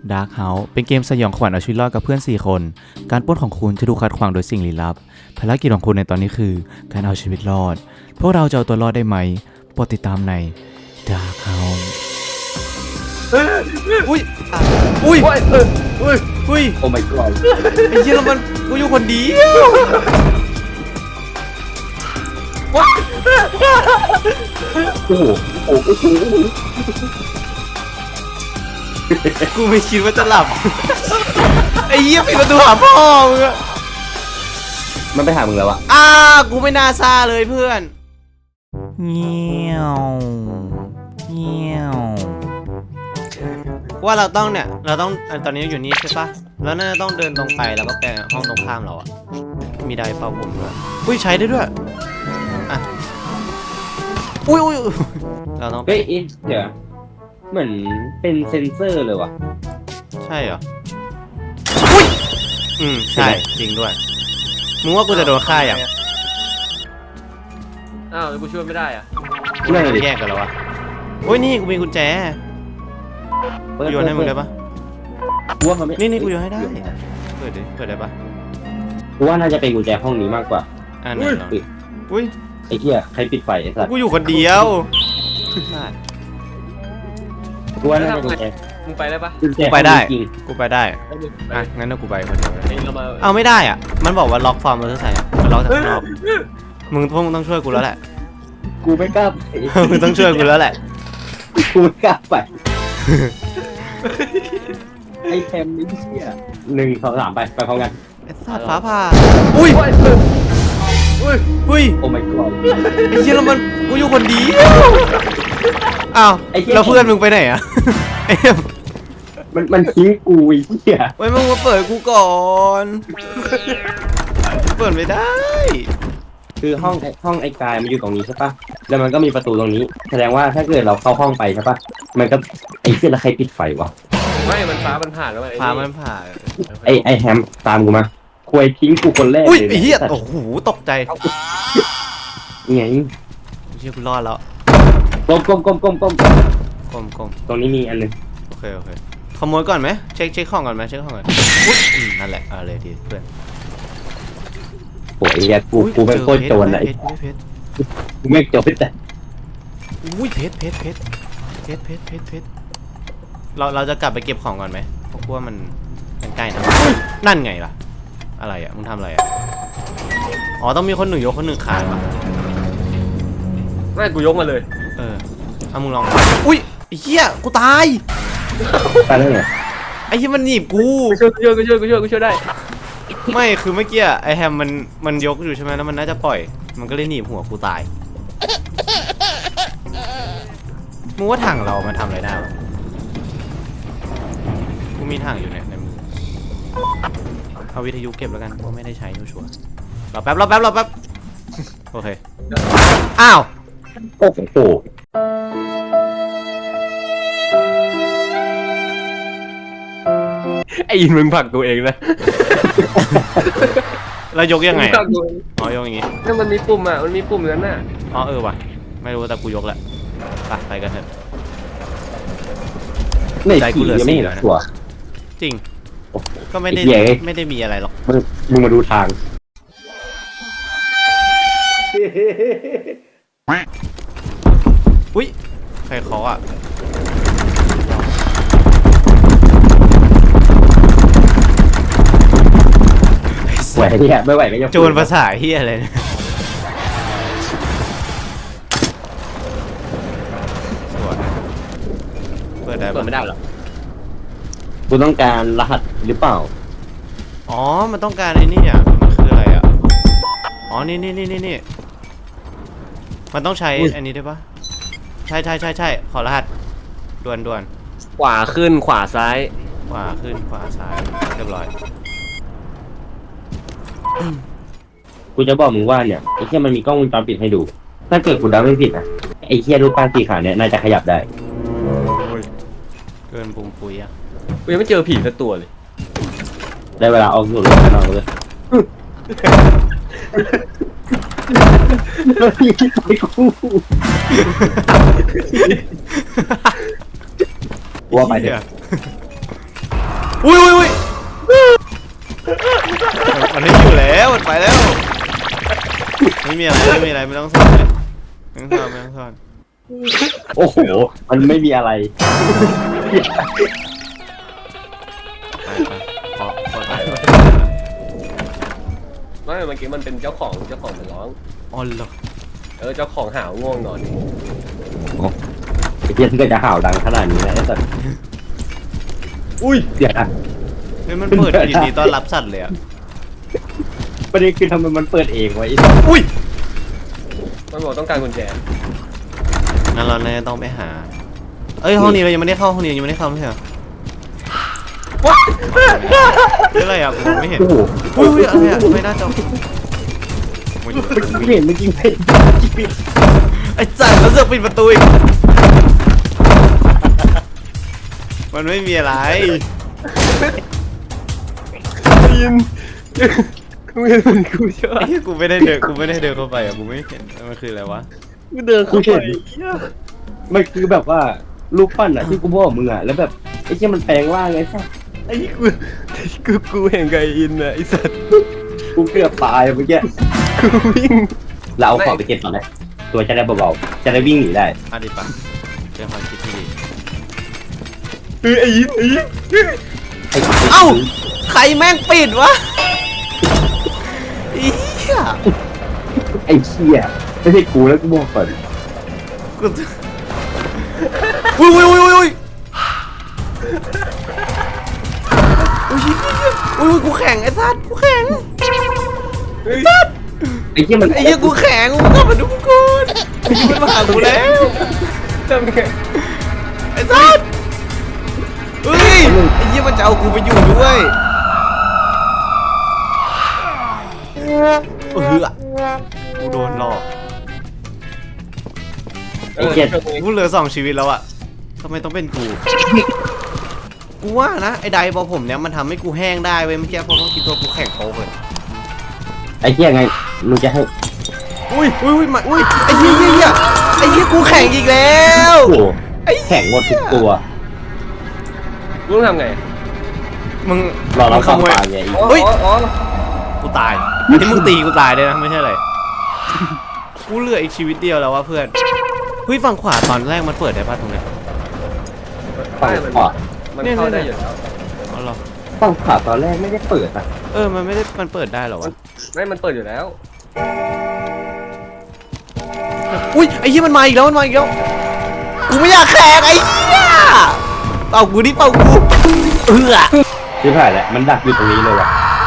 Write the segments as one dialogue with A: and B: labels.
A: Dark House เป็นเกมสยองขวัญเอาชีวิตรอดกับเพื่อน4คนการปล้นของคุณจะถูกขัดขวางโดยสิ่งลี้ลับภารกิจของคุณในตอนนี้คือการเอาชีวิตรอดพวกเราจะเอาตัวรอดได้ไหมโปรดติดตามใน Dark House อุ้ยอุ้ยอุ้ย
B: โอ้ my god
A: ไอ้เหี้ยแล้วมันกูอยู่คนเดียว
B: โอ้โหโอ้โห
A: กูไม่คิดว่าจะหลับไอ้เหี้ยปิดประตูหาพ่อมึงอะ
B: มันไปหามึงแล้วอะ
A: กูไม่น่าซาเลยเพื่อนเงี้ยวเงี้ยวว่าเราต้องเนี่ยเราต้องตอนนี้อยู่นี่ใช่ปะแล้วน่าจะต้องเดินตรงไปแล้วก็ไปห้องตรงข้ามเราอะมีได้เป่าผมด้วยอุ้ยใช้ได้ด้วยอ่ะอุ้ยเราต้อง
B: เฮ้ยเดี๋ยวเหมือนเป็นเซนเซอร์เลยว่ะ
A: ใช่เหรออุ้ยใช่จริงด้วยมึงว่ากูจะโดนฆ่าอย่าง
C: อ้าวแล้วกูช่วยไม่ได้อะ
B: นั่นเลย
A: แยกกันแล้ววะโอ้ยนี่กูมีกุญแจโยนให้มึงได้ปะ
B: กูว่าเขาไม่
A: นี่กูโยนให้ได้เปิดดิเปิดได้ปะ
B: กูว่าน่าจะเป็นกุญแจห้องนี้มากกว่า
A: อ่าไหนลองอุ้ย
B: ไอ้เหี้ยใครปิดไฟไอ้สัตว์
A: กูอยู่คนเดียว
B: กูว่าน่าจะเป็นกุญแจ
C: มึงไปได้ปะ
B: กุญแจ
A: ไปได้
B: จริง
A: กูไปได้
C: แล้วมึงไป
A: อ่ะงั้นกูไปคนเดียว
C: เองเรามา
A: เอาไม่ได้อ่ะมันบอกว่าล็อกฟอร์มเราจะใส่มันล็อกจากข้างนอกมึงต้องช่วยกูแล้วแหละ
B: กูไม่กล้าไป
A: มึงต้องช่วยกูแล้วแหละ
B: กูไม่กล้าไปไอ้แคมนี่เหี้ย1 2 3ไปพร้อมกัน
A: ไอ้สัตว์ฟ้าผ่าอุ้ยอุ้ย
B: โอ้ my god
A: ไอ้เหี้ยแล้วมันกูอยู่คนเดียวอ้าว
B: ไอ้เหี้ย
A: แล้วเพื่อนมึงไปไหนอ่ะไอ้เหี้ย
B: มันทิ้งกูไอ้เหี้ย
A: ไว้มึงมาเปิดกูก่อนเปิดไม่ได้
B: คือห้องไอ้กายมันอยู่ตรงนี้ใช่ปะแล้วมันก็มีประตูตรงนี้ แสดงว่าถ้าเกิดเราเข้าห้องไปใช่ปะมันก็ไอ้เหี้ยแล้วใครปิดไฟวะ
C: ไม่มันฟ้ามันผ่านแล้วไง
A: ฟ้ามันผ่า
B: ไอ้แฮมตามกูมาควยทิ้งกูคนแรก
A: อุ้ย
B: เลย
A: ไอ้เหี้ยโอ้โหตกใจ
B: ไง
A: เหี้ยกูรอดแล้ว
B: ก้ม
A: กลม
B: ตรงนี้มีอันนึง
A: โอเคขโมยก่อนไหมเช็คของก่อนไหมเช็คของก่อนอุ๊ยนั่นแหละเอาเลยดีเพื่อน
B: โอ้ยไอ้เหี้ยกูเป็นโคตรโจรเลย
A: เพชร
B: กูไม่โจรแต่
A: อุ้ยเพชรเราจะกลับไปเก็บของก่อนไหมเพราะว่ามันใกล้นะนั่นไงล่ะอะไรอ่ะมึงทำอะไรอ่ะอ๋อต้องมีคนหนึ่งยกคนหนึ่งขายป่ะ
C: ไม่กูยกมาเลย
A: เอามึงลองอุ้ยไอ้เหี้ยกูตาย
B: ตายได้ไง
A: ไอ้เหี้ยมันหนีบกู
C: กูช่วยได้
A: ไม่คือเมื่อกี้ไอแฮมมันยกอยู่ใช่ไหมแล้วมันน่าจะปล่อยมันก็เลยหนีบหัวกูตายมึงว่าถังเรามันทำอะไรได้วะกูมีถังอยู่เนี่ยในมือเอาวิทยุเก็บแล้วกันเพราะไม่ได้ใช้ชัวร์รอแป๊บโอเคอ้าว
B: โอ้โห
C: ไอ้ยินมึงผลักตัวเองนะ
A: แล้วยกยังไง
C: ผลักตัวเอง
A: อ๋อยกอย่างงี้
C: นั่นมันมีปุ่มอ่ะมันมีปุ่มนั้นน่ะ
A: อ๋อว่ะไม่รู้แต่กูยกแหละไปกันเถอะ
B: ใน
A: ใจกู
B: ผี
A: เหลือ
B: ยังไม่เห็น
A: 4แล้วนะ
B: ตัว
A: จริง
B: โอ้โห
A: ก็ไม่ได้
B: ไอ้เหี้ยเอ้ย
A: ไม่ได้มีอะไรหรอก
B: มึงมาดูทาง
A: อุ้ยใครเคาะอ่ะ
B: ไหวที่ไม่ไหวก็จะ
A: โจรภาษาเฮียอะไรเนี่ยสวยเปิดได้
C: เปิ
A: ปะ
C: ดไม่ได้หรอ
B: กูต้องการรหัสหรือเปล่า
A: อ๋อมันต้องการไอ้นี่อ่ะมันคืออะไรอ่ะอ๋อนี่มันต้องใช้อันนี้ได้ปะใช่ขอรหัสด่วน
C: ขวาขึ้นขวาซ้าย
A: ขวาขึ้นขวาซ้ายเรียบร้อย
B: กูจะบอกมึงว่าเนี่ยไอ้เหี้ยมันมีกล้องวงจรปิดให้ดู ถ้าเกิดกูเดาไม่ผิดนะไอ้เหี้ยรูปปั้นสีขาเนี่ยน่าจะขยับได้
A: เกินปุมปุยอ่ะ
C: กูยังไม่เจอผีสักตัวเลย
B: ได้เวลาออกสู่โลกข้างนอกเลยไอ้กูว่าไปเถอะ
A: อุ้ยมันไม่อยู่แล้วมันไปแล้วไม่มีอะไรไม่ต้องซ่อนเลยไม่ต้องซ่อน
B: โอ้โหมันไม่มีอะไร
A: ไปพอตาย
C: ไม่เมื่อกี้มันเป็นเจ้าของมันร้อง
A: อ๋อเหรอ
C: เจ้าของหาวง่วงนอน
B: ไอ้เหี้ยก็จะห่าวดังขนาดนี้นะไอ้สัตว์อุ้ยเดี๋ยวนะ
A: เฮ้ยมันเปิดยินดีต้อนรับสัตว์เลยอ่ะ
B: ประเด็นคือทำไมมันเปิดเองวะไอ้สัตว์
A: อุ้ย
C: มันบอกต้องการกุญแจ
A: งั้นเราเนี่ยต้องไปหาเอ้ยห้องนี้เรายังไม่ได้เข้าห้องนี้ยังไม่ได้เข้าไม่ใช่เหรอว้าอะไรอ่ะผมไม่เห็น
B: โอ้โห
A: อุ้ยอะไรอ่ะทำไมหน้าจอ
B: ไม่เห็นเมื่อกี้ไม่เห็น
A: ไอ้จัดแล้วเสือกปิดประตูอีกมันไม่มีอะไร
C: ยินกูเห็นมันกูเชื่อ
A: ไอ้เหี้ยกูไม่ได้เดินเข้าไปอ่ะกูไม่เห็นมันคืออะไรวะ
C: กูเดินเข้าไป
B: มันคือแบบว่ารูปปั้นอะที่กูบอกมึงอะแล้วแบบไอ้เหี้ยมันแปลงร่างไงสัตว์
C: ไอ้กูเห็นไกอินนะไอ้สัตว์
B: กูเกือบตายเมื่อกี้
C: กูวิ่ง
B: เราเอาของไปเก็บก่อนเลยตัวจะได้เบาๆจะได้วิ่งหนีได้
A: อ่ะดิปะเป็นความคิดที่ดี
C: ไอ้ยิน
B: ไอ้
A: เอ้าใครแม่งปิดวะอีเหี้ย
B: ไอ้เชี่ยไม่ใช่กูแล้วกูบอกก่อน
A: กูอุ้ยกูแข็งไอ้สัตว์กูแข็ง
B: ไอ้เชี่ยมัน
A: ไอ้เหี้ยกูแข็งกูกลับมาดูกูมันมาหากูแล้ว
C: ทำไง
A: ไอ้สัตว์เฮ้ยไอ้เหี้ยมันจะเอากูไปอยู่ด้วยกูโดนหลอก กูเหลือ2 ชีวิตแล้วอะทำไมต้องเป็นกู กูว่านะไอ้ไดบอผมเนี้ยมันทำให้กูแห้งได้เว้ยเมื่อกี้เพราะว่าคิดตัวกูแข็งโป๊กเลย
B: ไอ้เชี่ยไงมึงจะให้
A: อุ้ยมาไอ้เหี้ยไอ้เหี้ยกูแข็งอีกแล้ว
B: โอ้โหแข่งหมดทุกตัว
C: กูต้องทำไง
A: มึง
B: เรา
A: ข
B: เข้า
A: โมย
B: ป่าไงอีก
A: เฮ้ย กูตายอันนี้มึงตีกูตายเลยนะไม่ใช่อะไรกูเหลืออีกชีวิตเดียวแล้ววะเพื่อนเฮ้ยฝั่งขวาตอนแรกมันเปิดได้ป่ะตรงเนี้ย
B: ฝั่งขวา
C: มันเข้าได้อยู่แล้ว
A: อ๋อเหรอ
B: ฝั่งขวาตอนแรกไม่ได้เปิดอะ
A: มันไม่ได้มันเปิดได้เหรอวะ
C: ไม่มันเปิดอยู่แล้ว
A: อุ้ยไอ้เหี้ยมันมาอีกแล้วกูไม่อยากแข่งไอ้เหี้ยเป่ากูดิเป่ากูอ
B: ชิบหายแล้วมันดักอยู่ตรงนี้เลยว่ะ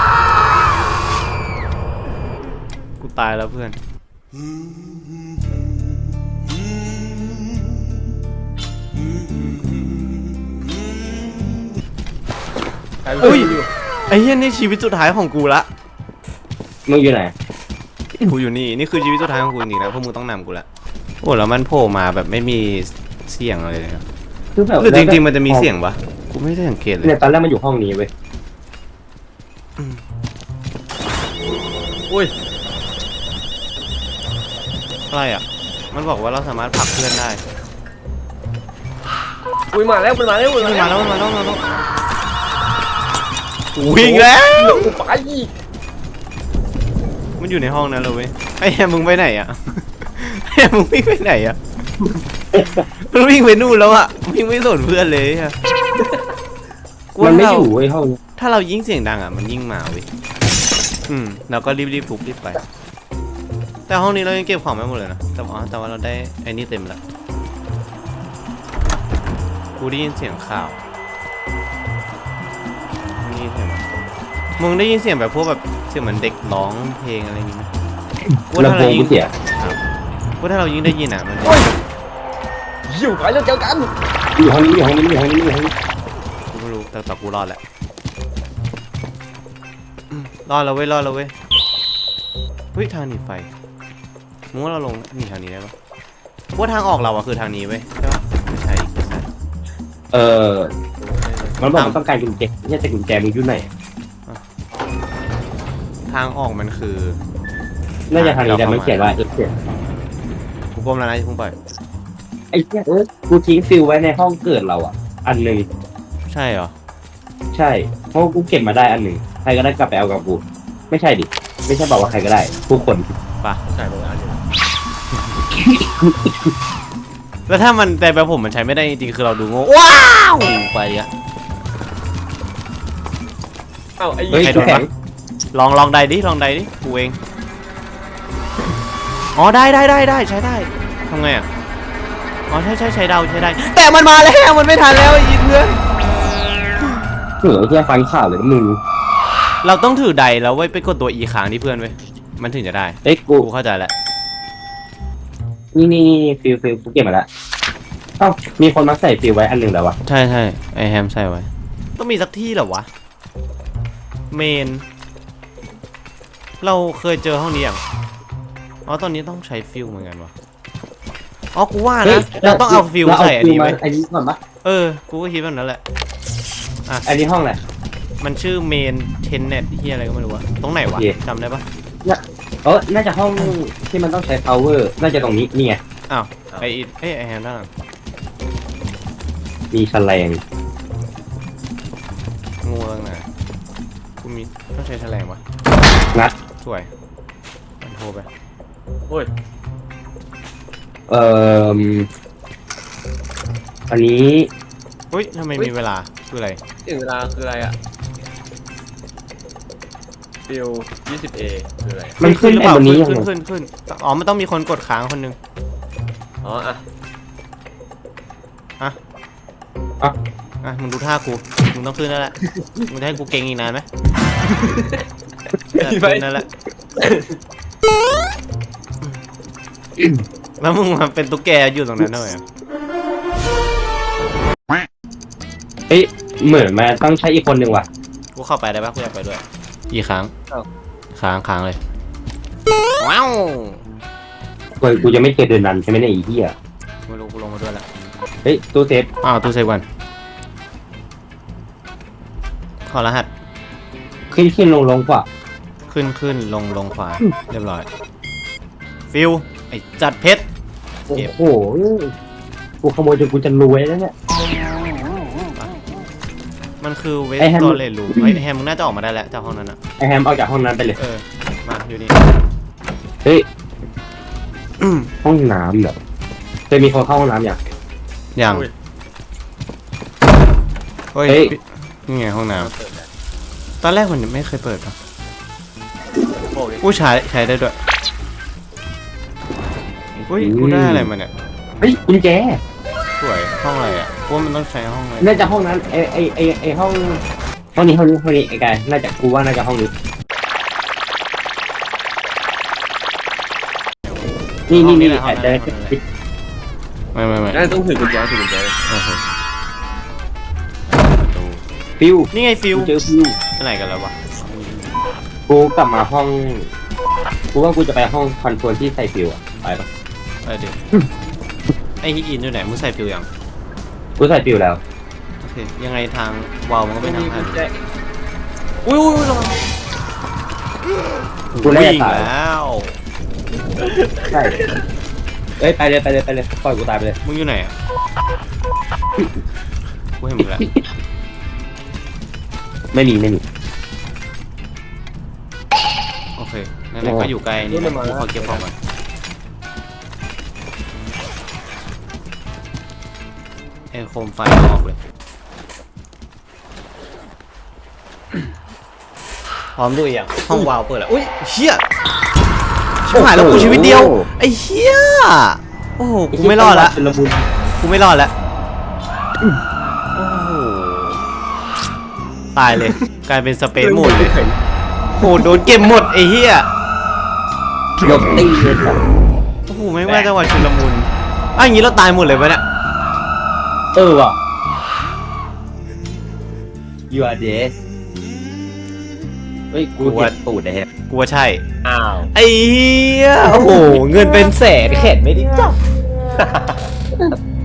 A: กูตายแล้วเพื่อนอุ้ยไอ้เหี้ยนี่ชีวิตสุดท้ายของกูละ
B: มึงอยู่ไหน
A: กูอยู่นี่คือชีวิตสุดท้ายของกูจริงๆนะพวกมึงต้องนำกูละโอ้แล้วมันโผล่มาแบบไม่มีเสียงอะไรเลยนะ
B: คือแบบ
A: หรือจริงๆมันจะมีเสียงปะกูไม่ได้สังเกตเลย
B: เนี่ยตอนแรกมันอยู่ห้องนี้เว้ย
C: อุ้ย
A: อะไรอ่ะมันบอกว่าเราสามารถผลักเพื่อนได้
C: อุ้ยมาแล้วมันมาแล้ว
A: มันมาแล้ววิ่งแล้ว
C: ไปอีก
A: มันอยู่ในห้องนั้นเลยเว้ยไอ้แฮมมึงไปไหนอ่ะไอ้แฮมมึงวิ่งไปไหนอ่ะมันวิ่งไปนู่นแล้วอ่ะวิ่งไม่สนเพื่อนเลยอะ
B: มันไม่อยู่เว้ยห้องนี้
A: ถ้าเรายิ่งเสียงดังอ่ะมันยิ่งมาเว้ยเราก็รีบทุบรีบไป แต่ห้องนี้เรายังเก็บของไม่หมดเลยนะแต่ว่าเราได้ไอ้นี่เต็มแล้วกูได้ยินเสียงข่าวนี่เสียงมึงได้ยินเสียงแบบพวกแบบเสียงเหมือนเด็กร้องเพลงอะไรอย่างงี้ไหมกูว่า
B: ลำ
A: ถ้า
B: โพ
A: เรา
B: ง
A: ยิ่
B: กู
A: ง
B: เสีย
A: กูถ้าเรายิ่งได้ยินอ่ะมันจะ
C: อยู่ไปแล้วเจอกัน
B: อยู่ห้องนี้อยู่ห้องนี้อยู่ห้องนี้อยู่ห้องนี้
A: กูไม่รู้แต่กูรอดแหละรอดแล้วเว้ยเฮ้ยทางหนีไฟมึงว่าเราลงหนีทางนี้ได้ปะว่าทางออกเราอะคือทางนี้เว้ยใช่ปะไม่ใช่
B: มันบอกมันต้องการกุญแจไม่ใช่แต่กุญแจมึงอยู่ไหน
A: ทางออกมันคือ
B: น่าจะทางนี้แต่มันเขียนว่าเขียน
A: กูก้มแล้วนะที่พุ่งไป
B: ไอ้เหี้ยกูทิ้งฟิลไว้ในห้องเกิดเราอ่ะ อันหนึ่ง
A: ใช่เหรอ
B: ใช่เพราะกูเก็บมาได้อันหนึ่งใครก็ได้กลับไปเอากับกูไม่ใช่ดิไม่ใช่บอกว่าใครก็ได้ทุกคน
A: ปะ
C: ใช่มึงอ่านอยู่
A: แล้วถ้ามันแต่แบบผมมันใช้ไม่ได้จริงๆคือเราดูโง่ว้าวไปอะ
C: เอ้าไอ้
B: เฮ้ย
A: ใครโด
B: ทุก
A: น
B: แข็
A: ปะ
B: ง
A: ลองใดดิลองใดดิกูเองอ๋อได้ใช้ได้ทำไงอ่ะอ๋อใช้ได้แต่มันมาแล้วมันไม่ทันแล้วไอ้เพื่อน
B: เหนือแค่ฟังข่าวเลยนะมึง
A: เราต้องถือใดแล้วไว้ไปกดตัว E ค้างที่เพื่อนไว้มันถึงจะได้
B: เอ้ยกู
A: กูเข้าใจแล้ว
B: นี่ฟิลกูเก็บมาแล้วเอ้ามีคนมาใส่ฟิลไว้อันหนึ่งแล้ววะ
A: ใช่ไอแฮมใส่ไว้ต้องมีสักที่เหรอวะเมนเราเคยเจอห้องนี้อย่างอ๋อตอนนี้ต้องใช้ฟิลเหมือนกันวะอ๋อกูว่านะเราต้องเอาฟิลใส่อันนี้
B: มา
A: ไว้
B: อันนี้ก่อนปะ
A: กูก็คิดแบบนั้นแหละ
B: อันนี้ห้องแหละ
A: มันชื่อเมนเทนเน็ตที่อะไรก็ไม่รู้วะตรงไหนวะ
B: โอเค
A: จำได้ปะ
B: น่าจะห้องที่มันต้องใช้ power น่าจะตรงนี้นี่ไง
A: อ้าวไอแฮมด้านหลัง
B: มีแฉลง
A: งูตั้งไหนกูมีต้องใช้แฉลงปะ
B: งัด
A: สวยมันโทรไป
C: โอ้ย
B: เอ่ออันนี้
A: อุ้ยทำไมมีเวลาคืออะไร
C: ถึงเวลาคืออะไรอ่ะฟิล 20A คืออะไร
B: มันขึ้น
A: หรือ
B: ไอ้
A: เปล่า
B: บนนี้
A: ขึ้
B: ยัง
A: น
B: ไง
A: ขึ้นอ๋อมันต้องมีคนกดค้างคนนึง
C: อ๋ออ่ะ
A: อ่ะมึงดูท่ากูมึงต้องขึ้นแล้วแหละมึงจะให้กูเก่งอีกนานไหมขึ้นนั่นแหละแล้วมึงมาเป็นตุ๊กแกอยู่ตรงนั้นทำไมอ่ะ
B: เอ้ยเหมือนมันต้องใช้อีกคนหนึ่งว่ะ
A: กูเข้าไปได้ปะกูอยากไปด้วยอีกครั้งค้างเลยว้าว
B: กูจะไม่เคยเดินนันใช่ไหมเนี่ยไอ้เหี้ย
A: ไม่รู้กูลงมาด้วยแล้ว
B: เฮ้ยตู้เซฟ
A: อ้าวตู้เซฟก่อนขอรหัส
B: ขึ้นลงกว่า
A: ขึ้นลงขวาเรียบร้อยฟิวไอ้จัดเพชร
B: โอ้
A: เก็บ
B: โหกูขโมยจนกูจะรวยแล้วเนี่ย
A: มันคือเวส
B: ไอ้แฮม
A: ตอเลรูไอ้แฮมมึงน่าจะออกมาได้แล้วจากห้องนั้นอ่ะ
B: ไอแฮมออกจากห้องนั้นไปเลย
A: มาอยู่นี่
B: เฮ้ยห้องน้ำเหรอเคยมีคนเข้าห้องน้ำอย่าง
A: ยัง
C: อุ้ย
A: เฮ้ย
B: เฮ้ย
A: นี่ไงห้องน้
C: เปิดแล้ว
A: ำตอนแรกมันไม่เคยเปิดปะ
C: โอ้ย
A: กูใช้ได้ด้วยอุ้ยกูได้อะไรมาเนี่ย
B: เฮ้ยกุญแจ
A: สวยห้องอะไรอ่ะกูว่ามันต้องใช้ห้องอะไร
B: น่าจะห้องนั้นไอห้องนี้ไอ้กายน่าจะกูว่าน่าจะห้องนี้นี่อาจจะ
A: ไม่
C: น่าจะต้องถือกุญแจถือกุญแจ
A: โอเค
B: ฟิว
A: นี่ไงฟิว
B: กูเจอฟิว
A: ไปไหนกันแล้ววะ
B: กูกลับมาห้องกูว่ากูจะไปห้องคอนโทรลที่ใส่ฟิวอะไปปะ
A: ไปดิไอฮิตอินอยู่ไหนมึงใส่ฟิวยัง
B: กูใส่ฟิวแล้ว
A: โอเคยังไงทางวาล์วมันก็
C: ไม่
A: เป็น
C: มี
A: ทาง
C: กุ
A: ผ่าน
C: ญแจ
A: อุ้ยระวัง
B: กูไล่
A: วิ่ง
B: ตาย
A: แล้ว
B: ใช่เอ้ยไปเลยปล่อยกูตายไปเลย
A: มึงอยู่ไหนอ่ะกูเห็นมึงแล้ว
B: ไม่มี
A: โอเคนั่นแหละก็อยู่ใกล้นี่นะกูขอเก็บของก่อนไอ้โคมไฟออกเลยพร้อมดูอีกอย่างห้องวาล์วเปิดแล้วอุ้ยเชี่ยชิบหายแล้วกูชีวิตเดียวไอ้เหี้ยโอ้โหกูไม่รอดละ
B: เป็นระบุน
A: กูไม่รอดแล้วโอ้โหตายเลยกลายเป็นสเปซโหมดเลยโหโดนเก็บหมดไอ้เหี้ย
B: ยกตีเลยครับ
A: โอ้โหไม่ว่าจังหวะชุลมุนอ่ะอย่างงี้เราตายหมดเลยปะเนี่ย
B: ว่ะ you are dead เฮ้ยกูเห็นตูดนะฮะ
A: กูว่าใช่
C: อ้าว
A: ไอ้เหี้ยโอ้โหเงินเป็นแสนแขนไม่ได้จับ